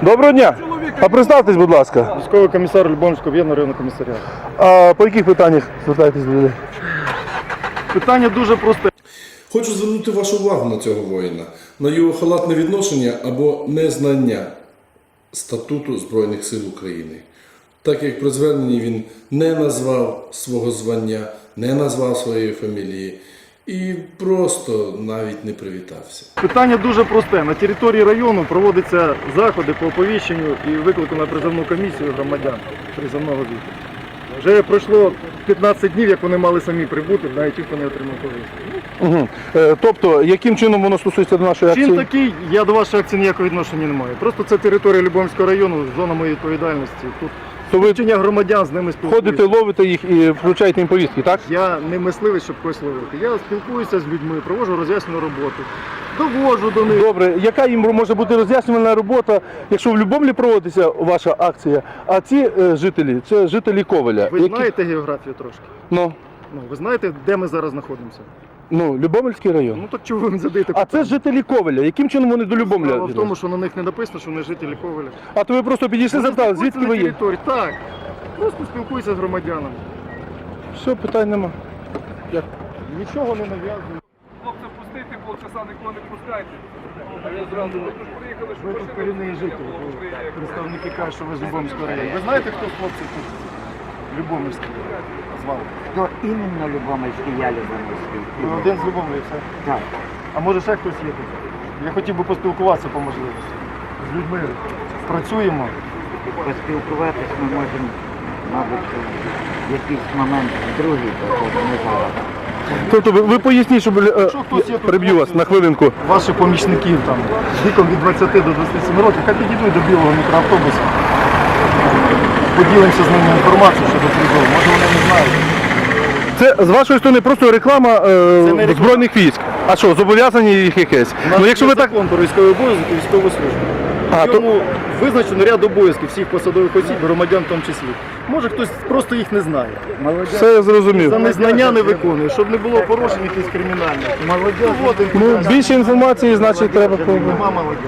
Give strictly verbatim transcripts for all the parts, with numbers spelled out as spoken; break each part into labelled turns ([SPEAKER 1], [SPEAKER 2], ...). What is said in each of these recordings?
[SPEAKER 1] Доброго дня. А представтесь, будь ласка.
[SPEAKER 2] Військовий комісар Любомльського об'єднаного районного комісаріату.
[SPEAKER 1] А по яких питаннях звертаєтесь до людей?
[SPEAKER 2] Питання дуже просте.
[SPEAKER 3] Хочу звернути вашу увагу на цього воїна, на його халатне відношення або незнання статуту Збройних сил України. Так як при зверненні він не назвав свого звання, не назвав своєї фамілії і просто навіть не привітався.
[SPEAKER 2] Питання дуже просте. На території району проводяться заходи по оповіщенню і виклику на призовну комісію громадян призовного віку. Вже пройшло п'ятнадцять днів, як вони мали самі прибути, навіть ніхто не отримав повістки.
[SPEAKER 1] Угу. Е, тобто, яким чином воно стосується до нашої акції?
[SPEAKER 2] Чин такий, я до вашої акції ніякого відношення не маю. Просто це територія Любомльського району, зона моєї відповідальності. Тут
[SPEAKER 1] То ви
[SPEAKER 2] вчення громадян, з ними спілкуюся.
[SPEAKER 1] ходите, ловите їх і вручаєте їм повістки, так?
[SPEAKER 2] Я не мисливець, щоб когось ловити. Я спілкуюся з людьми, проводжу роз'яснену роботу, доводжу до них.
[SPEAKER 1] Добре, яка їм може бути роз'яснювальна робота, якщо в Любомлі проводиться ваша акція, а ці е, жителі, це жителі Ковеля.
[SPEAKER 2] Ви
[SPEAKER 1] які...
[SPEAKER 2] знаєте географію трошки?
[SPEAKER 1] Ну,
[SPEAKER 2] Ну, ви знаєте, де ми зараз знаходимося?
[SPEAKER 1] ну, Любомльський район.
[SPEAKER 2] Ну так чого ви мені задаєте
[SPEAKER 1] А
[SPEAKER 2] питання?
[SPEAKER 1] це жителі Ковеля. Яким чином вони до Любомля?
[SPEAKER 2] Справа в тому,
[SPEAKER 1] відносяться?
[SPEAKER 2] що на них не написано, що вони жителі Ковеля.
[SPEAKER 1] А то ви просто підійшли,
[SPEAKER 2] Вони
[SPEAKER 1] запитали,
[SPEAKER 2] спілкуються
[SPEAKER 1] звідки ви
[SPEAKER 2] на
[SPEAKER 1] є?
[SPEAKER 2] території. Так, просто спілкуюся з громадянами.
[SPEAKER 1] Все, питань нема. Як?
[SPEAKER 2] Нічого не нав'язую.
[SPEAKER 4] Хлопця пустити, полчаса нікого не пускайте. А я зразу, ви ж приїхали, що
[SPEAKER 2] Ви тут корінний житель, представники кажуть, що ви з Любомльського району. Ви знаєте, хто хлопці тут? Любомльський звали.
[SPEAKER 5] Хто іменно Любомльський, я Любомльський.
[SPEAKER 2] Ви один з Любомлі, все?
[SPEAKER 5] Так.
[SPEAKER 2] А може ще хтось є тут? Я хотів би поспілкуватися по можливості. З людьми працюємо.
[SPEAKER 5] Поспілкуватись ми можемо, мабуть, в якийсь момент другий, тобто не зараз.
[SPEAKER 1] Тобто ви, ви поясніть, щоб е,
[SPEAKER 2] Якщо хтось є тут,
[SPEAKER 1] переб'ю вас
[SPEAKER 2] хлопці,
[SPEAKER 1] на хвилинку.
[SPEAKER 2] Ваших помічників там віком від двадцяти до двадцяти семи років, хай підійдуть до білого мікроавтобуса. Поділимося з ними інформацією щодо призову. Може вони не знають.
[SPEAKER 1] Це з вашої сторони просто реклама е,
[SPEAKER 2] Це не реклама.
[SPEAKER 1] збройних військ. А що, зобов'язані їх якесь?
[SPEAKER 2] У нас
[SPEAKER 1] Ну якщо
[SPEAKER 2] є
[SPEAKER 1] ви так.
[SPEAKER 2] закон про військовий обов'язок і військову службу.
[SPEAKER 1] А,
[SPEAKER 2] В ньому визначено ряд обов'язків всіх посадових осіб, громадян в тому числі. Може хтось просто їх не знає.
[SPEAKER 1] Все я зрозумів.
[SPEAKER 2] За незнання не виконує, щоб не було порушень якихось кримінальних. Молодіж.
[SPEAKER 1] Ну, більше інформації, значить, треба.
[SPEAKER 2] Нема молодіж.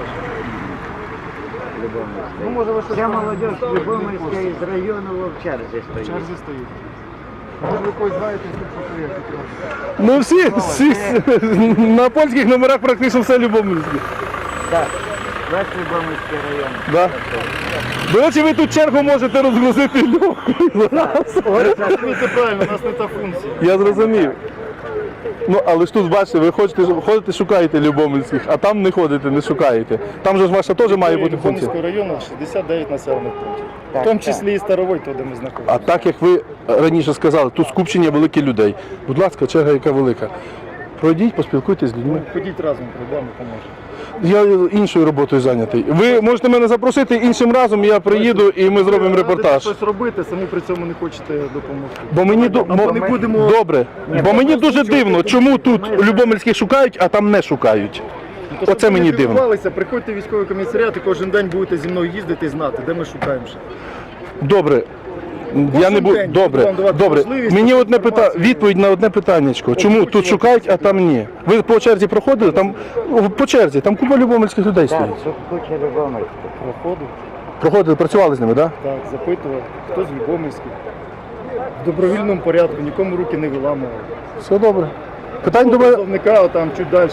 [SPEAKER 2] Ну, може ви щось
[SPEAKER 5] Ця
[SPEAKER 2] там
[SPEAKER 5] молодіж
[SPEAKER 2] знаєте,
[SPEAKER 5] Любомльська
[SPEAKER 2] не
[SPEAKER 5] із району в черзі
[SPEAKER 2] в
[SPEAKER 5] стоїть.
[SPEAKER 2] черзі стоїть. Може ви когось знаєте, хто приїхав?
[SPEAKER 1] Ну всі, всі на польських номерах практично все Любомльське.
[SPEAKER 5] Так, весь Любомльський район.
[SPEAKER 1] Да. До речі, ви тут чергу можете розгрузити легкою.
[SPEAKER 2] Це правильно, у нас не та функція.
[SPEAKER 1] Я зрозумів. Ну, але ж тут, бачите, ви хочете, ходите, шукаєте Любомльських, а там не ходите, не шукаєте. Там же ж ваша теж має бути функція.
[SPEAKER 2] Любомльського району шістдесят дев'ять населених пунктів. В
[SPEAKER 5] Так,
[SPEAKER 2] тому
[SPEAKER 5] так.
[SPEAKER 2] числі і Старовой, то, де ми знаходимося.
[SPEAKER 1] А так, як ви раніше сказали, тут скупчення великих людей. Будь ласка, черга яка велика. Пройдіть, поспілкуйтесь з людьми.
[SPEAKER 2] Ходіть разом, прийдемо, поможемо.
[SPEAKER 1] Я іншою роботою зайнятий. Ви можете мене запросити іншим разом, я приїду і ми зробимо
[SPEAKER 2] Ви
[SPEAKER 1] репортаж.
[SPEAKER 2] радите щось робити, самі при цьому не хочете допомогти.
[SPEAKER 1] Бо мені до-
[SPEAKER 2] Або
[SPEAKER 1] мо-
[SPEAKER 2] не будемо...
[SPEAKER 1] добре. Бо мені дуже дивно, чому тут Любомльських шукають, а там не шукають.
[SPEAKER 2] Ну, то, щоб
[SPEAKER 1] Оце
[SPEAKER 2] ви
[SPEAKER 1] мені
[SPEAKER 2] не
[SPEAKER 1] дивно.
[SPEAKER 2] піклувалися, приходьте в військовий комісаріат і кожен день будете зі мною їздити і знати, де ми шукаємо ще.
[SPEAKER 1] Добре. Я не буду.
[SPEAKER 2] день буду
[SPEAKER 1] Добре,
[SPEAKER 2] вам давати
[SPEAKER 1] добре.
[SPEAKER 2] можливість,
[SPEAKER 1] Мені одне пита...
[SPEAKER 2] інформацію.
[SPEAKER 1] відповідь на одне питаннячко. Чому тут
[SPEAKER 2] Озвучувати.
[SPEAKER 1] шукають, а там ні? Ви по черзі проходили? Там о, по черзі, там купа любомльських людей
[SPEAKER 5] Так,
[SPEAKER 1] стоїть.
[SPEAKER 5] тут куча Любомльських.
[SPEAKER 2] Проходив,
[SPEAKER 1] Проходили, працювали з ними, так?
[SPEAKER 2] так, запитував, хто з Любомльських. В добровільному порядку, нікому руки не виламував.
[SPEAKER 1] Все добре. Питань до мене.
[SPEAKER 2] Представника там чуть далі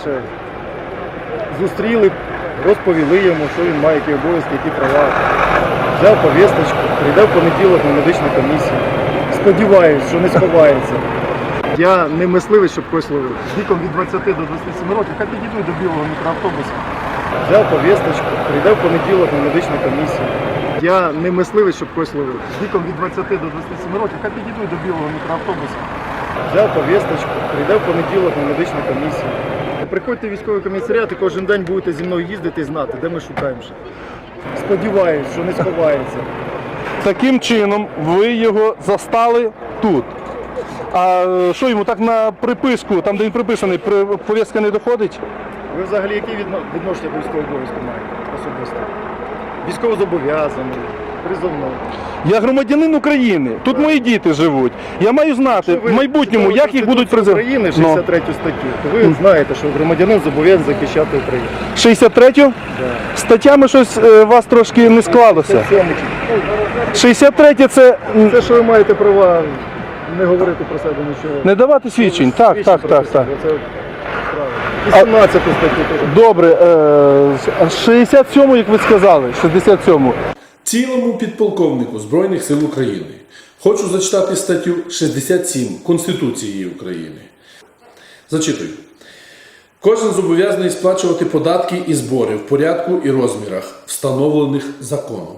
[SPEAKER 2] зустріли, розповіли йому, що він має, які обов'язки, які права. Взяв повісточку, прийде в понеділок на медичну комісію. Сподіваюсь, що не сховається. Я не мисливець, щоб когось ловити. Віком від двадцяти до двадцяти семи років, хай підійдуть до білого мікроавтобуса. Взяв повісточку, прийде в понеділок на медичну комісію. Я не мисливець, щоб когось ловити. Віком від двадцяти до двадцяти семи років, хай підійдуть до білого мікроавтобуса. Взяв повісточку, прийде в понеділок на медичну комісію. Приходьте в військовий комісаріат і кожен день будете зі мною їздити і знати, де ми шукаємо ще. Сподіваюсь, що не сховається.
[SPEAKER 1] Таким чином ви його застали тут. А що йому так на приписку, там де він приписаний, при- повістка не доходить?
[SPEAKER 2] Ви взагалі які відно- відношення до військового обов'язку маєте особисто? Військовозобов'язаний, Призовний.
[SPEAKER 1] Я громадянин України. Тут мої діти живуть. Я маю знати
[SPEAKER 2] Якщо ви
[SPEAKER 1] в майбутньому,
[SPEAKER 2] читали
[SPEAKER 1] як їх будуть
[SPEAKER 2] Конституцію
[SPEAKER 1] призивати.
[SPEAKER 2] України, шістдесят третю статтю, то ви знаєте, що громадянин зобов'язаний захищати Україну.
[SPEAKER 1] шістдесят третю? Статтями щось е, у вас трошки не склалося.
[SPEAKER 2] Це сьомий.
[SPEAKER 1] шістдесят третя це м,
[SPEAKER 2] Це, що ви маєте права не говорити про себе нічого.
[SPEAKER 1] не давати свідчень. Так,
[SPEAKER 2] Свідчень
[SPEAKER 1] так,
[SPEAKER 2] про
[SPEAKER 1] так,
[SPEAKER 2] себе.
[SPEAKER 1] так.
[SPEAKER 2] Це право. І сімнадцяту статтю теж.
[SPEAKER 1] Добре, е, шістдесят сьому, як ви сказали, шістдесят сьому.
[SPEAKER 3] Цілому підполковнику Збройних сил України хочу зачитати статтю шістдесят сім Конституції України. Зачитую. Кожен зобов'язаний сплачувати податки і збори в порядку і розмірах, встановлених законом.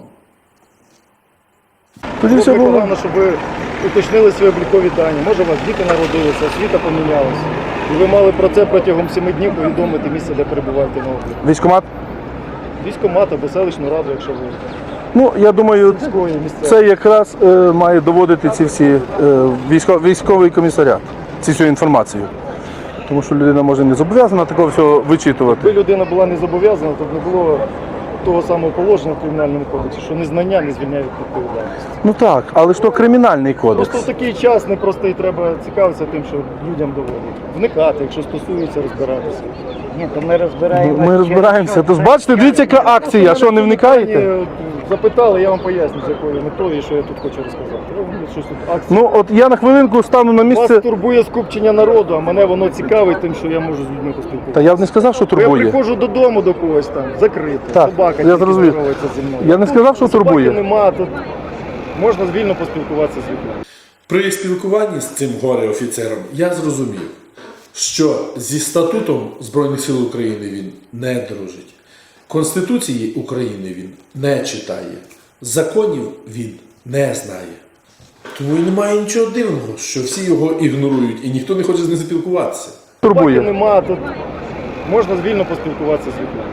[SPEAKER 1] Тоді все
[SPEAKER 2] Було б
[SPEAKER 1] було.
[SPEAKER 2] погано, щоб ви уточнили свої облікові дані. Може, у вас діти народилися, освіта помінялася. І ви мали про це протягом семи днів повідомити місце, де перебуваєте на обліку.
[SPEAKER 1] Військкомат?
[SPEAKER 2] Військкомат або селищну раду, якщо ви
[SPEAKER 1] Ну, я думаю,
[SPEAKER 2] військові місцеві.
[SPEAKER 1] це якраз е, має доводити ці всі е, військо, військовий комісаріат, цю всю інформацію. Тому що людина може не зобов'язана такого всього вичитувати.
[SPEAKER 2] Якби людина була не зобов'язана, то б не було того самого положення в кримінальному кодексі, що незнання не звільняє від відповідальності.
[SPEAKER 1] Ну так, але ж то кримінальний кодекс.
[SPEAKER 2] Просто в такий час не просто і треба цікавитися тим, що людям доводять. Вникати, якщо стосується, розбиратися.
[SPEAKER 5] Ні, то ми розбираємося.
[SPEAKER 1] Ми розбираємося. Тож бачите, дивіться, яка акція, що не вникаєте?
[SPEAKER 2] Питання запитали, я вам поясню, з якою метою, і що я тут хочу розказати. Ну, щось тут акція.
[SPEAKER 1] Ну от я на хвилинку стану на
[SPEAKER 2] Вас
[SPEAKER 1] місце.
[SPEAKER 2] турбує скупчення народу, а мене воно цікавить тим, що я можу з людьми поспілкуватися.
[SPEAKER 1] Та я б не сказав, що
[SPEAKER 2] Бо я
[SPEAKER 1] турбує.
[SPEAKER 2] приходжу додому до когось там, закрито,
[SPEAKER 1] Так,
[SPEAKER 2] собака
[SPEAKER 1] я
[SPEAKER 2] тільки
[SPEAKER 1] зрозумів.
[SPEAKER 2] здоровається зі мною.
[SPEAKER 1] Я не сказав, що
[SPEAKER 2] Собаки
[SPEAKER 1] турбує.
[SPEAKER 2] нема, тут можна вільно поспілкуватися з людьми.
[SPEAKER 3] При спілкуванні з цим горе-офіцером я зрозумів, що зі статутом Збройних сил України він не дружить. Конституції України він не читає. Законів він не знає. Тому і немає нічого дивного, що всі його ігнорують і ніхто не хоче з ним спілкуватися.
[SPEAKER 2] Собаки
[SPEAKER 1] Турбує.
[SPEAKER 2] нема, тут можна вільно поспілкуватися з людьми.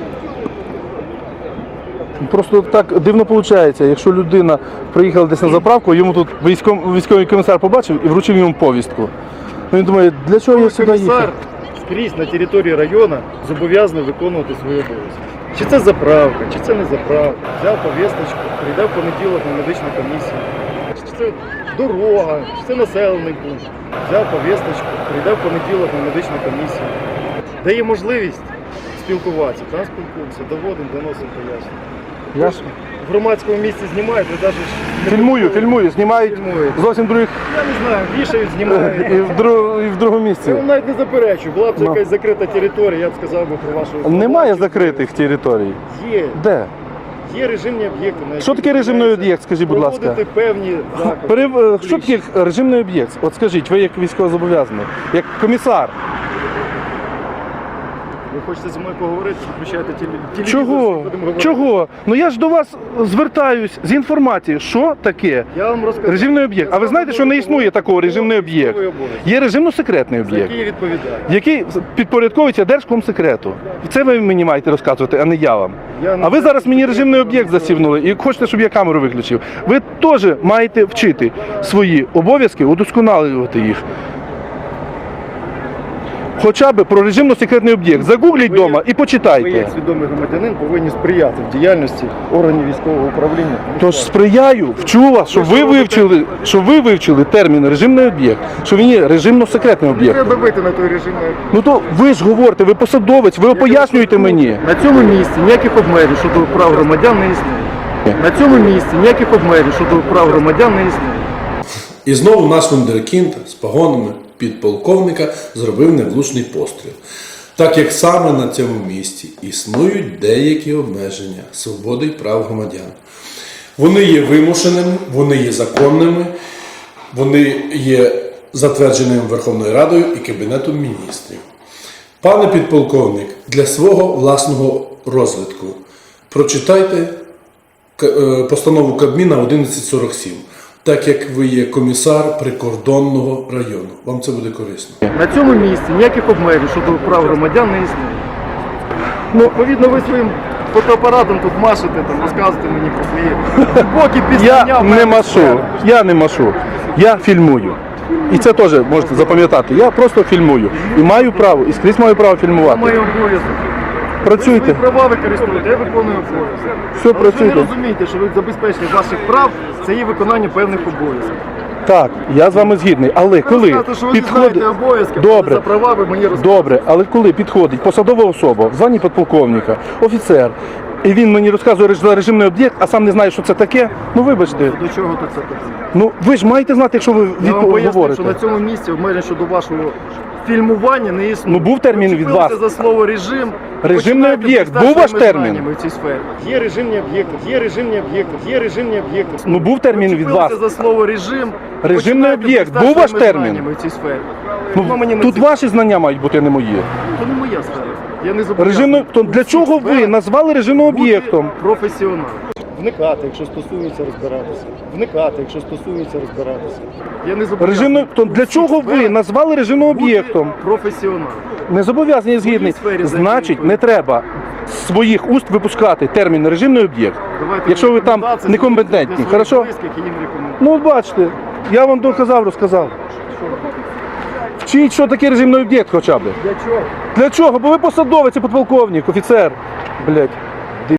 [SPEAKER 1] Просто так дивно виходить, якщо людина приїхала десь на заправку, йому тут військом, військовий комісар побачив і вручив йому повістку. Ну, він думає, для чого я сюди
[SPEAKER 2] Комісар
[SPEAKER 1] їхав?
[SPEAKER 2] скрізь на території району зобов'язаний виконувати свої обов'язки. Чи це заправка, чи це не заправка. Взяв повісточку, прийде в понеділок на медичну комісію. Чи це дорога, чи це населений пункт. Взяв повісточку, прийде в понеділок на медичну комісію. Дає можливість спілкуватися. Там спілкуємося, доводимо, доносимо пояснення.
[SPEAKER 1] Я ж
[SPEAKER 2] В громадському місці знімають, ви навіть не
[SPEAKER 1] фільмую,
[SPEAKER 2] почули.
[SPEAKER 1] фільмую, знімають
[SPEAKER 2] Фільмують.
[SPEAKER 1] зовсім других
[SPEAKER 2] Я не знаю, вішають,
[SPEAKER 1] і
[SPEAKER 2] знімають.
[SPEAKER 1] в, друг, і в другому місці.
[SPEAKER 2] Я вам навіть не заперечую. Була б це
[SPEAKER 1] Ну.
[SPEAKER 2] якась закрита територія, я б сказав би про вашу...
[SPEAKER 1] Немає закритих територій.
[SPEAKER 2] Є.
[SPEAKER 1] Де?
[SPEAKER 2] Є режимні об'єкти. на які
[SPEAKER 1] Що таке режимний
[SPEAKER 2] дозволяється
[SPEAKER 1] об'єкт, скажіть, будь ласка?
[SPEAKER 2] Проводити певні заходи.
[SPEAKER 1] Перев... е, Що таке режимний об'єкт? От скажіть, ви як військовозобов'язаний, як комісар.
[SPEAKER 2] Ви хочете зі мною поговорити, включайте теле- телевізор,
[SPEAKER 1] Чого?
[SPEAKER 2] будемо говорити.
[SPEAKER 1] Чого? Ну я ж до вас звертаюсь з інформацією, що таке
[SPEAKER 2] Я вам розкажу.
[SPEAKER 1] режимний об'єкт. А ви знаєте, що не існує такого режимний об'єкт? Є режимно-секретний об'єкт,
[SPEAKER 2] Який відповідає?
[SPEAKER 1] який підпорядковується Держкомсекрету. І це ви мені маєте розказувати, а не я вам.
[SPEAKER 2] Я не
[SPEAKER 1] А ви
[SPEAKER 2] знаю,
[SPEAKER 1] зараз мені
[SPEAKER 2] що
[SPEAKER 1] режимний
[SPEAKER 2] таке
[SPEAKER 1] об'єкт
[SPEAKER 2] режимний
[SPEAKER 1] засівнули і хочете, щоб я камеру виключив. Ви теж маєте вчити свої обов'язки, удосконалювати їх. Хоча б про режимно-секретний об'єкт. Загугліть
[SPEAKER 2] Ви як-
[SPEAKER 1] вдома і
[SPEAKER 2] Ви
[SPEAKER 1] почитайте.
[SPEAKER 2] як свідомий громадянин повинні сприяти в діяльності органів військового управління.
[SPEAKER 1] Тож сприяю, вчу вас, щоб ви вивчили, щоб ви вивчили термін режимний об'єкт, що він є режимно-секретний
[SPEAKER 2] Не
[SPEAKER 1] об'єкт.
[SPEAKER 2] треба бити на той режимний об'єкт.
[SPEAKER 1] Ну то ви ж говорите, ви посадовець, ви пояснюєте мені.
[SPEAKER 2] На цьому місці ніяких обмежень щодо прав громадян не існує. На цьому місці ніяких обмежень щодо прав громадян не існує.
[SPEAKER 3] І знову наш вундеркінд з погонами підполковника зробив невлучний постріл. Так як саме на цьому місці існують деякі обмеження свободи і прав громадян. Вони є вимушеними, вони є законними, вони є затвердженими Верховною Радою і Кабінетом міністрів. Пане підполковник, для свого власного розвитку прочитайте К- е, постанову Кабміна одинадцять сорок сім, так як ви є комісар прикордонного району. Вам це буде корисно.
[SPEAKER 2] На цьому місці ніяких обмежень щодо прав громадян не існує. Ну, відповідно, ви своїм фотоапаратом тут машете, там, розказуєте мені про свої глибокі пізнання.
[SPEAKER 1] Я
[SPEAKER 2] в мене
[SPEAKER 1] не машу,
[SPEAKER 2] сфери.
[SPEAKER 1] я не машу, я фільмую. І це теж можете запам'ятати. Я просто фільмую. І маю право, і скрізь маю право
[SPEAKER 2] Це
[SPEAKER 1] фільмувати.
[SPEAKER 2] мій обов'язок.
[SPEAKER 1] Працюйте.
[SPEAKER 2] Свої права використовуєте, я виконую обов'язки.
[SPEAKER 1] Все,
[SPEAKER 2] Але ж ви не
[SPEAKER 1] працюйте.
[SPEAKER 2] розумієте, що ви забезпечення ваших прав це є виконання певних обов'язків.
[SPEAKER 1] Так, я з вами згідний. Але
[SPEAKER 2] Ви
[SPEAKER 1] коли
[SPEAKER 2] розказуєте, що ви не
[SPEAKER 1] підходить.
[SPEAKER 2] знаєте обов'язки,
[SPEAKER 1] Добре.
[SPEAKER 2] за права ви мені розказуєте.
[SPEAKER 1] Добре, але коли підходить посадова особа в званні підполковника, офіцер, і він мені розказує за режимний об'єкт, а сам не знає, що це таке, ну вибачте.
[SPEAKER 2] До чого тут це таке?
[SPEAKER 1] Ну ви ж маєте знати, якщо ви
[SPEAKER 2] Я вам
[SPEAKER 1] від...
[SPEAKER 2] поясню,
[SPEAKER 1] говорите.
[SPEAKER 2] що на цьому місці обмежень щодо вашого фільмування не існує.
[SPEAKER 1] Ну, був термін
[SPEAKER 2] Ви
[SPEAKER 1] від
[SPEAKER 2] вчепилися
[SPEAKER 1] вас.
[SPEAKER 2] за слово режим.
[SPEAKER 1] Режимний
[SPEAKER 2] починаєте
[SPEAKER 1] об'єкт.
[SPEAKER 2] блистати
[SPEAKER 1] Був ваш
[SPEAKER 2] своїми
[SPEAKER 1] термін?
[SPEAKER 2] знаннями в цій сфері. Є режимні об'єкти, є режимні об'єкти, є режимні об'єкти.
[SPEAKER 1] Ну, був термін
[SPEAKER 2] Ви
[SPEAKER 1] від
[SPEAKER 2] вчепилися
[SPEAKER 1] вас.
[SPEAKER 2] за слово режим.
[SPEAKER 1] Режимний
[SPEAKER 2] починаєте
[SPEAKER 1] об'єкт.
[SPEAKER 2] блистати
[SPEAKER 1] Був ваш
[SPEAKER 2] своїми
[SPEAKER 1] термін?
[SPEAKER 2] знаннями в цій сфері.
[SPEAKER 1] Ну,
[SPEAKER 2] Воно мені не
[SPEAKER 1] тут
[SPEAKER 2] цікаво.
[SPEAKER 1] ваші знання мають бути, а не мої.
[SPEAKER 2] То не моя сфера. Я не зобов'язаний.
[SPEAKER 1] Режимний... То
[SPEAKER 2] у
[SPEAKER 1] для
[SPEAKER 2] всіх
[SPEAKER 1] чого ви
[SPEAKER 2] сферах
[SPEAKER 1] назвали режимним
[SPEAKER 2] бути
[SPEAKER 1] об'єктом?
[SPEAKER 2] професіоналом. Вникати, якщо стосується розбиратися. Вникати, якщо стосується розбиратися. Я не зобов'язаний.
[SPEAKER 1] Режимний... То
[SPEAKER 2] у
[SPEAKER 1] для
[SPEAKER 2] всіх
[SPEAKER 1] чого ви
[SPEAKER 2] сферах
[SPEAKER 1] назвали режимним
[SPEAKER 2] бути
[SPEAKER 1] об'єктом?
[SPEAKER 2] професіоналом.
[SPEAKER 1] Не зобов'язані, згідний.
[SPEAKER 2] сфері
[SPEAKER 1] Значить,
[SPEAKER 2] зайти.
[SPEAKER 1] не треба з своїх уст випускати термін режимний об'єкт.
[SPEAKER 2] Давайте
[SPEAKER 1] Якщо ви там
[SPEAKER 2] рекомендації
[SPEAKER 1] некомпетентні,
[SPEAKER 2] для своїх
[SPEAKER 1] хорошо?
[SPEAKER 2] близьких, і їм рекомендую.
[SPEAKER 1] Ну от бачите, я вам доказав, розказав. Вчіть, що таке режимний об'єкт хоча б.
[SPEAKER 2] Для чого?
[SPEAKER 1] Для чого? Бо ви посадовець і підполковник, офіцер. Блять.